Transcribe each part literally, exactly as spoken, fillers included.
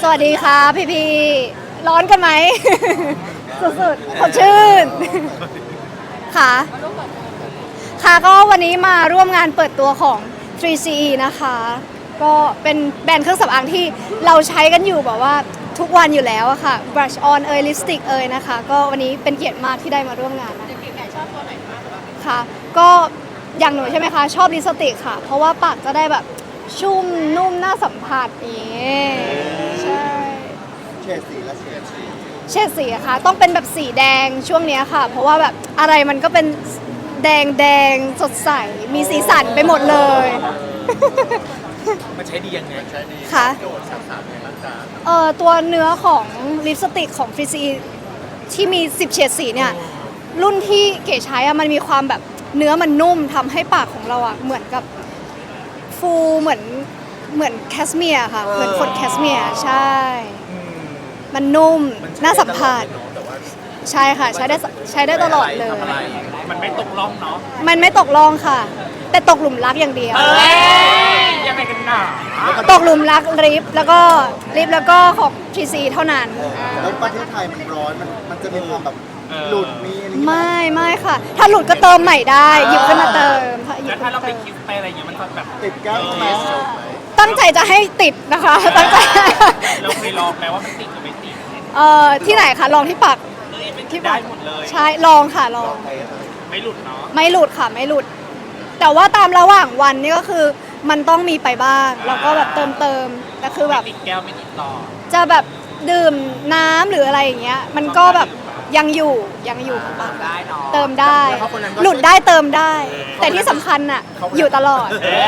สวัสดีค่ะพี่พี่ร้อนกันไหม สุดๆสดชื่น ค่ะ ค่ะก็วันนี้มาร่วมงานเปิดตัวของ ทรี ซี อี นะคะ ก็เป็นแบรนด์เครื่องสำอางที่เราใช้กันอยู่แบบว่าทุกวันอยู่แล้วอะค่ะ brush on เอยลิปสติกเอยนะคะ ก็วันนี้เป็นเกียรติมากที่ได้มาร่วมงานนะชอบตัวไหนมากค่ะก็อย่างหนูใช่ไหมคะชอบลิปสติกค่ะ เพราะว่าปากจะได้แบบชุ่มนุ่มน่าสัมผัสนี่ใช่เฉดสีและเฉดสีเฉดสีอะค่ะต้องเป็นแบบสีแดงช่วงนี้ค่ะ เพราะว่าแบบอะไรมันก็เป็นแดงแดงสดใสมีสีสันไปหมดเลยมันใช้ดียังไงใช้ดีค่ะโดดสารในร่างกายเอ่อตัวเนื้อของลิปสติกของ ทรี ซี อี ที่มีสิบเฉดสีเนี่ยรุ่นที่เก๋ใช้อะมันมีความแบบเนื้อมันนุ่มทำให้ปากของเราอะเหมือนกับฟูเหมือนเหมือนแคสเมียร์ค่ะเหมือนขนแคสเมียร์ใช่มันนุ่มน่าสัมผัสใช่ค่ะใช้ได้ใช้ได้ตลอดเลยมันไม่ตกล่องเนาะมันไม่ตกล่องค่ะแต่ตกหลุมรักอย่างเดียวยังไงกันหนาตกหลุมรักลิฟแล้วก็ลิฟแล้วก็ของ ทรี ซี เท่านั้นแล้วประเทศไทยมันร้อนมันมันจะมีความแบบหลุดมีอะไรไม่ไม่ค่ะถ้าหลุดก็เติมใหม่ได้หยิบขึ้นมาเติมแล้วถ้าเราไปคิดไปอะไรอย่างเงี้ยมันก็แบบติดแก้วไหมตั้งใจจะให้ติดนะคะตั้งใจเราเคยลองไหมว่ามันติดหรือไม่ติดเอ่อที่ไหนคะลองที่ปากที่ได้หมดเลยใช่ลองค่ะลองไม่หลุดเนาะไม่หลุดค่ะไม่หลุดแต่ว่าตามระหว่างวันนี่ก็คือมันต้องมีไปบ้างแล้วก็แบบเติมเติมแต่คือแบบติดแก้วไม่ติดต่อจะแบบดื่มน้ำหรืออะไรอย่างเงี้ยมันก็แบบยังอยู่ยังอยู่ปากเติมได้หลุดได้เติมได้ แต่ที่สำคัญน่ะอยู่ตลอด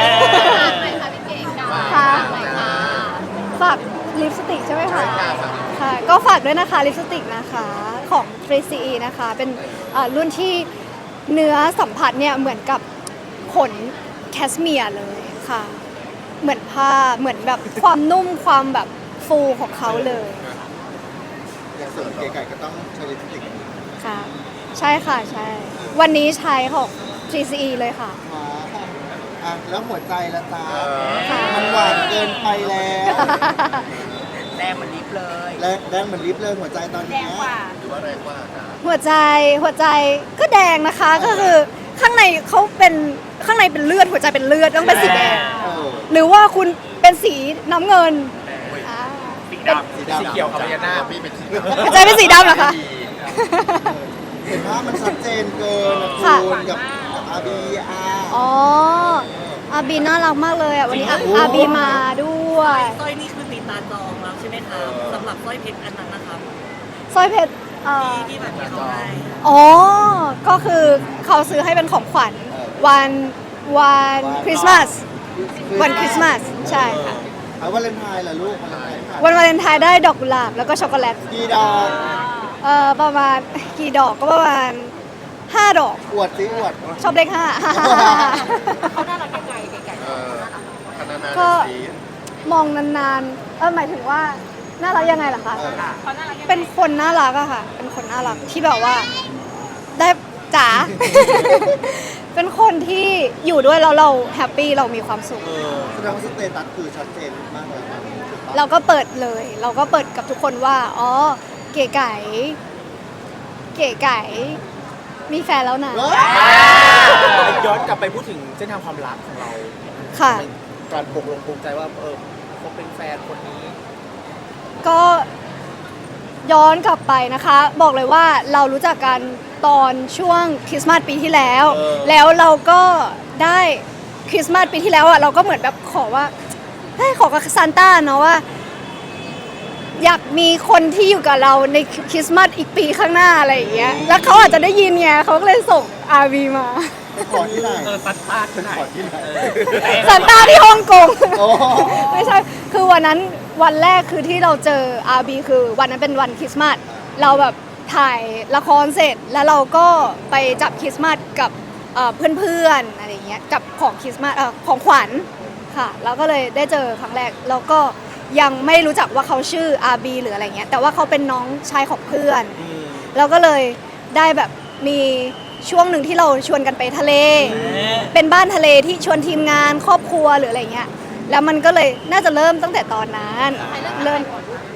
ค่ะฝากลิปสติกใช่ไหมคะค่ะก็ฝากด้วยนะคะลิปสติกนะคะของ ทรี ซี อี นะคะเป็นรุ่นที่เนื้อสัมผัสเนี่ยเหมือนกับขนแคสเมียร์เลยค่ะเหมือนผ้าเหมือนแบบความนุ่มความแบบฟูของเขาเลยอย่างส่วนเก๋ไก่ก็ต้องใช้ลิปสติกค่ะใช่ค่ะใช่วันนี้ใช้ของ ทรี ซี อี เลยค่ะอ่ะแล้วหัวใจละจ้ามันหวานเกินไปแล้วแดงเหมือนลิฟเลยแรงแรงเหมือนลิฟเลยหัวใจตอนนี้หรือว่าแรงกว่าหัวใจหัวใจก็แดงนะคะก็คือข้างในเขาเป็นข้างในเป็นเลือดหัวใจเป็นเลือดต้องเป็นสีแดงหรือว่าคุณเป็นสีน้ำเงินสีดำสีเขียวกับพญานาคพี่เป็นสีหัวใจเป็นสีดำเหรอคะเห็นว่ามันชัดเจนเกินนะคุณกับอาบีอาอ๋ออาบีน่ารักมากเลยอ่ะวันนี้อาบีมาด้วยสร้อยนี่คือตีตาจองแล้วใช่ไหมครับสำหรับสร้อยเพชรอันนั้นนะครับสร้อยเพชรที่แบบที่เขาให้อ๋อก็คือเขาซื้อให้เป็นของขวัญวันวันคริสต์มาสวันคริสต์มาสใช่ค่ะวันวาเลนไทน์ล่ะลูกวันวาเลนไทน์ได้ดอกกุหลาบแล้วก็ช็อกโกแลตกี่ดอกเอ่อประมาณกี่ดอกก็ประมาณห้าดอกอวดสิอวดชอบเลขห้าเขาน่ารักยังไงไก่ก็มองนานๆเออหมายถึงว่าน่ารักยังไงล่ะคะเป็นคนน่ารักอะค่ะเป็นคนน่ารักที่แบบว่าได้จ๋าเป็นคนที่อยู่ด้วยแล้วเราแฮปปี้เรามีความสุขแสดงว่าสเตตัสคือชัดเจนมากเลยเราก็เปิดเลยเราก็เปิดกับทุกคนว่าอ๋อเก๋ไก่เก๋ไก่มีแฟนแล้วนะย้อนกลับไปพูดถึงเส้นทางความรักของเราค่ะการปกลงปลงใจว่าเออเขาเป็นแฟนคนนี้ก็ย้อนกลับไปนะคะบอกเลยว่าเรารู้จักกันตอนช่วงคริสต์มาสปีที่แล้วแล้วเราก็ได้คริสต์มาสปีที่แล้วอ่ะเราก็เหมือนแบบขอว่าเฮ้ยขอกับซานต้าเนาะว่าอยากมีคนที่อยู่กับเราในคริสต์มาสอีกปีข้างหน้าอะไรอย่างเงี้ยแล้วเขาอาจจะได้ยินไงเขาก็เลยส่งอาร์วีมาขอที่ไหนเออซานต้าที่ไหนซานต้าที่ฮ่องกงไม่ใช่คือวันนั้นวันแรกคือที่เราเจออาร์บีคือวันนั้นเป็นวันคริสต์มาสเราแบบถ่ายละครเสร็จแล้วเราก็ไปจับคริสต์มาสกับเพื่อนๆอะไรเงี้ยกับของคริสต์มาสของขวัญค่ะแล้วก็เลยได้เจอครั้งแรกแล้วก็ยังไม่รู้จักว่าเขาชื่ออาร์บีหรืออะไรเงี้ยแต่ว่าเขาเป็นน้องชายของเพื่อนเราก็เลยได้แบบมีช่วงหนึ่งที่เราชวนกันไปทะเลเป็นบ้านทะเลที่ชวนทีมงานครอบครัวหรืออะไรเงี้ยแล้วมันก็เลยน่าจะเริ่มตั้งแต่ตอนนั้นเริ่ม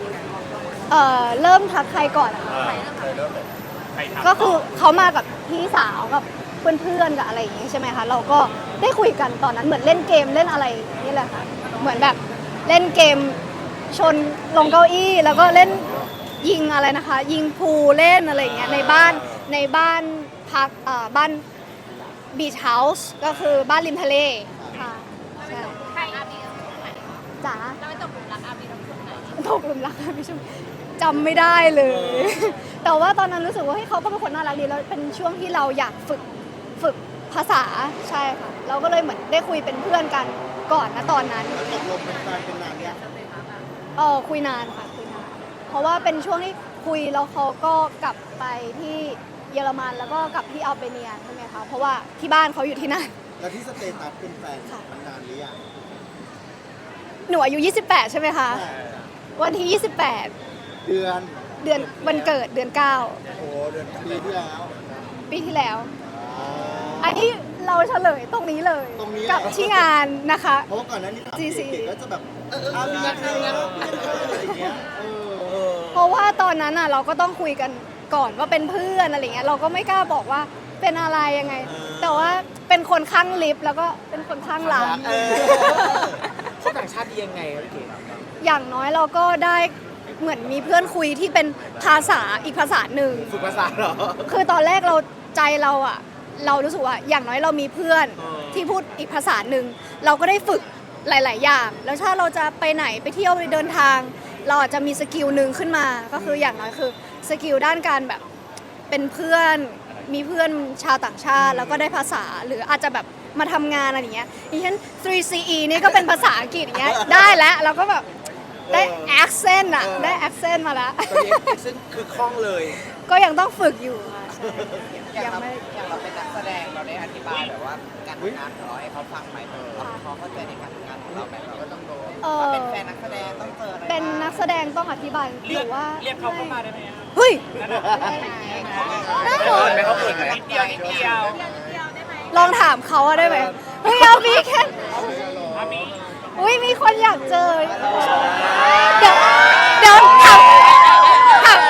เอ่อเริ่มทักใครก่อนอะคะ ก็คือเขามากับพี่สาวกับเพื่อนๆกับอะไรอย่างงี้ใช่ไหมคะเราก็ได้คุยกันตอนนั้นเหมือนเล่นเกมเล่นอะไรนี่แหละค่ะเหมือนแบบเล่นเกมชนลงเก้าอี้แล้วก็เล่นยิงอะไรนะคะ ยิงพูลเล่นอะไรอย่างเงี้ยในบ้านในบ้านพักเอ่อบ้านบีชเฮาส์ก็คือบ้านริมทะเลค่ะใช่ใครอาบีตรงไหนจ๋าเราไปตกหลุมรักอาบีตรงไหนตกหลุมรักค่ะพี่ชมจำไม่ได้เลย แต่ว่าตอนนั้นรู้สึกว่าเฮ้ยเขาก็เป็นคนน่ารักดีแล้วเป็นช่วงที่เราอยากฝึกฝึกภาษาใช่ค่ะเราก็เลยเหมือนได้คุยเป็นเพื่อนกันก่อนนะตอนนั้นแล้วตกลงเป็นแฟนเป็นนานยังเออคุยนานค่ะคุยนานเพราะว่าเป็นช่วงที่คุยแล้วเขาก็กลับไปที่เยอรมันแล้วก็กลับที่อัลเบเนียใช่ไหมคะเพราะว่าที่บ้านเขาอยู่ที่นั่นแล้วที่สเตตัสเป็นแฟนค่ะมันนานหรือยังหนูอายุยี่สิบแปดใช่ไหมคะวันที่ยี่สิบแปดเดือนเดือนวันเกิดเดือนเก้าโอ้เดือนปีที่แล้วปีที่แล้วอ๋ออันนี้เราเฉลยตรงนี้เลยตรงนี้กับที่งานนะคะเพราะว่าก่อนหน้านี้ถามจี ซีเด็กๆก็จะแบบอาบีใครนะอะไรอย่างเงี้ยเออเพราะว่าตอนนั้นอ่ะเราก็ต้องคุยกันก่อนว่าเป็นเพื่อนอะไรเงี้ยเราก็ไม่กล้าบอกว่าเป็นอะไรยังไง แต่ว่าเป็นคนข้างลิฟต์แล้วก็เป็นคนข้างหลังเออเขาต่างชาติดียังไงครับพี่เก๋อย่างน้อยเราก็ได้เหมือนมีเพื่อนคุยที่เป็นภาษาอีกภาษาหนึ่งฝึกภาษาเหรอคือตอนแรกเราใจเราอ่ะ เรารู้สึกว่าอย่างน้อยเรามีเพื่อนเออที่พูดอีกภาษาหนึ่งเราก็ได้ฝึกหลาย ๆ อย่าง แล้วถ้าเราจะไปไหนไปเที่ยวไปเดินทาง เราอาจจะมีสกิลหนึ่งขึ้นมา ก็คืออย่างน้อยคือสกิลด้านการแบบเป็นเพื่อนมีเพื่อนชาวต่างชาติ แล้วก็ได้ภาษาหรืออาจจะแบบมาทำงานอะไรอย่างเงี้ยดิฉัน ทรี ซี อี นี่ก็เป็นภาษาอังกฤษอย่างเงี้ยได้แล้วเราก็แบบได้ accent อะได้ accent มาแล้วตอนนี้ซึ่งคือคล่องเลยก็ยังต้องฝึกอยู่ค่ะใช่ยังไม่อย่างเราเป็นนักแสดงเราได้อธิบายแบบว่าการทำงานของเราให้เขาฟังไหมเขาเข้าใจในการทำงานของเราไหมเราก็ต้องรู้เออว่าเป็นแฟนนักแสดงต้องเจออะไรเป็นนักแสดงต้องอธิบายหรือว่าเรียกเขาเข้ามาได้ไหมเฮ้ยได้เหรอไม่เขาเปิดไหมนิดเดียวนิดเดียวลองถามเขาอะได้ไหมเฮ้ยอาบีแค่อุ้ยมีคนอยากเจอเดี๋ยวเดี๋ยวถามถาม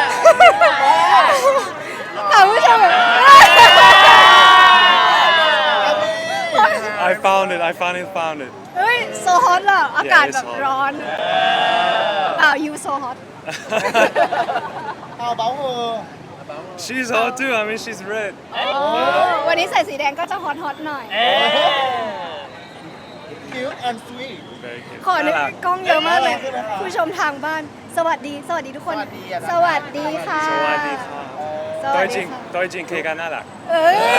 ถามผู้ชม I found it. I finally found it. เฮ้ยโซฮอตอะอากาศแบบ it's hot. ร้อนอ้าวยูโซฮอตเอาเบาเออ She's hot too. I mean, she's red. วันนี้ใส่สีแดงก็จะฮอตฮอตหน่อยคิวแอนด์สวีท Very cute. ขอนึกน่ารักกล้องเยอะมากเลยใช่ไหมครับผู้ชมทางบ้าน สวัสดี สวัสดีทุกคนสวัสดีอะสวัสดีค่ะสวัสดีค่ะสตัวัวสจดีริงค่ะตัวจริงเคกันน่ารักเอ้ย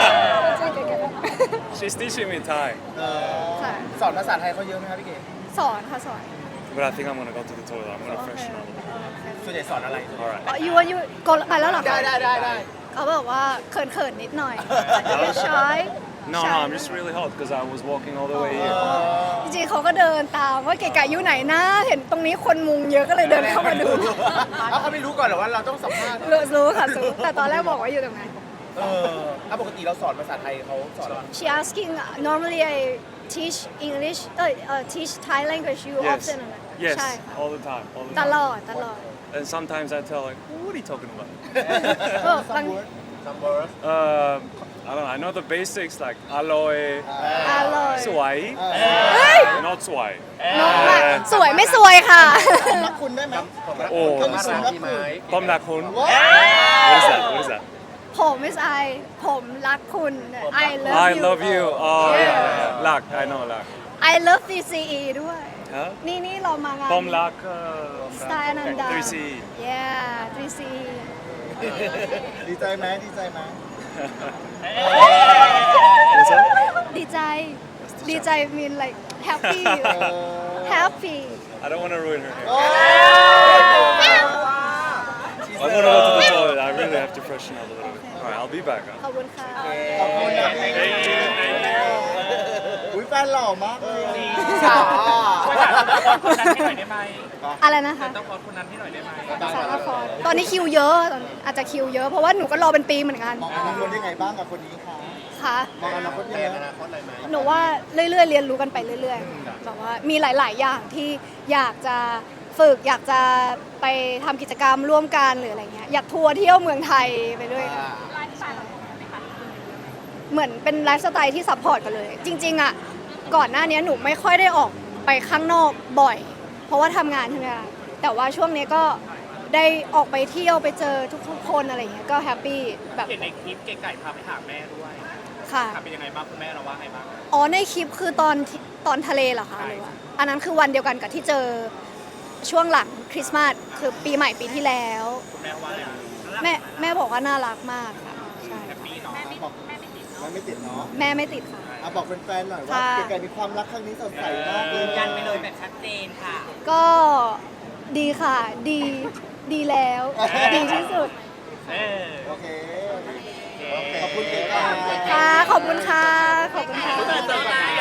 She's teaching me Thai, ค่ะสอนภาษาไทยเขาเยอะไหมครับพี่เก๋สอนค่ะสอน but I think I'm gonna go to the toilet. I'm gonna freshen up. ส่วนใหญ่สอนอะไร All right. อ๋อยูยูกดไปแล้วเหรอได้คะได้ได้ได้เขาบอกว่าเขินเขินๆนิดหน่อยชอย No, no, I'm just really hot because I was walking all the way here. จริงๆเขาก็เดินตามว่าเก๋ไก่อยู่ไหนนะ เห็นตรงนี้คนมุงเยอะก็เลยเดินเข้ามาดูเอาเขาไม่รู้ก่อนเหรอว่าเราต้องสัมภาษณ์รู้รู้ค่ะรู้แต่ตอนแรกบอกว่าอยู่ตรงนั้นเออถ้าปกติเราสอนภาษาไทยเขาสอนเรา She asking uh, normally I teach English เอ้ยเอ่อ teach Thai language you Yes. often Yes, ใช่ค่ะ all the time. All the ต time. ลอดตลอด And sometimes I tell like, what are you talking about? เออบางซัมเบอร์ Uh, I don't know. I know the basics like aloe, อร่อย swai, เฮ้ย not swai. น้องอะสวยไม่สวยค่ะรักคุณได้ไหม Oh, คุณ this รั one. กคุณ Pom nakun. ว้า What is that? What is that? ผม is I ผมรักคุณ I love I you love you. Oh yeah, yeah, yeah. Lak, I know lak. I love ทรี ซี อี ด้วย Huh? นี่นี่เรามางาน Pom lak. สไตล์อนันดา three C. yeah ทรี ซี อีดีใจไหมดีใจไหม What's that? ดีใจ ดีใจ mean like happy เออ happy I don't want to ruin her hair. โอ้ I'm gonna go to the toilet. I really have to freshen up a little bit. All right, I'll be back. Huh? ขอบคุณค่ะขอบคุณนะพี่อุ้ยแฟนหล่อมากเลยสาวคนนั้นให้หน่อยได้ไหมอะไรนะคะต้องขอคนนั้นให้หน่อยได้ไหมสารครตอนนี้คิวเยอะตอนนี้อาจจะคิวเยอะเพราะว่าหนูก็รอเป็นปีเหมือนกันมองอนาคตยังไงบ้างกับคนนี้คะค่ะมองอนาคตยังไงอนาคตอะไรไหมหนูว่าเรื่อยๆ เรียนรู้กันไปเรื่อยๆแบบว่ามีหลาย ๆ อย่างที่อยากจะฝึกอยากจะไปทำกิจกรรมร่วมกันหรืออะไรเงี้ยอยากทัวร์เที่ยวเมืองไทยไปด้วยค่ะไลฟ์สไตล์เราเป็นยังไงคะเหมือนเป็นไลฟ์สไตล์ที่ซัพพอร์ตกันเลย จริงๆอ่ะก่อนหน้านี้หนูไม่ค่อยได้ออกไปข้างนอกบ่อย เพราะว่าทำงานใช่ไหมคะแต่ว่าช่วงนี้ก็ได้ออกไปเที่ยวไปเจอทุกๆคนอะไรเงี้ยก็แฮปปี้แบบเห็นในคลิปเก๋ไก่พาไปหาแม่ด้วยค่ะค่ะเป็นยังไงบ้างคุณแม่เราว่าไงบ้างอ๋อในคลิปคือตอนที่ตอนทะเลเหรอคะหรือว่าอันนั้นคือวันเดียวกันกับที่เจอช่วงหลังคริสต์มาสคือปีใหม่ปีที่แล้วคุณแม่ว่าไงบ้างแม่แม่บอกว่าน่ารักมากค่ะใช่แฮปปี้เนาะบอกแม่ไม่ติดแม่ไม่ติดเนาะแม่ไม่ติดค่ะอ่ะบอกแฟนๆหน่อยว่าค่ะเก๋ๆมีความรักครั้งนี้สดใสมากเลยืยนยันไปเลยแบบชัดเจนค่ะก็ดีค่ะ ดีดีแล้ว ดีที่สุดเออโอเคขอบคุณเก๋ๆค่ะ ขอบคุณค่ะ ขอบคุณค่ะเจอกัน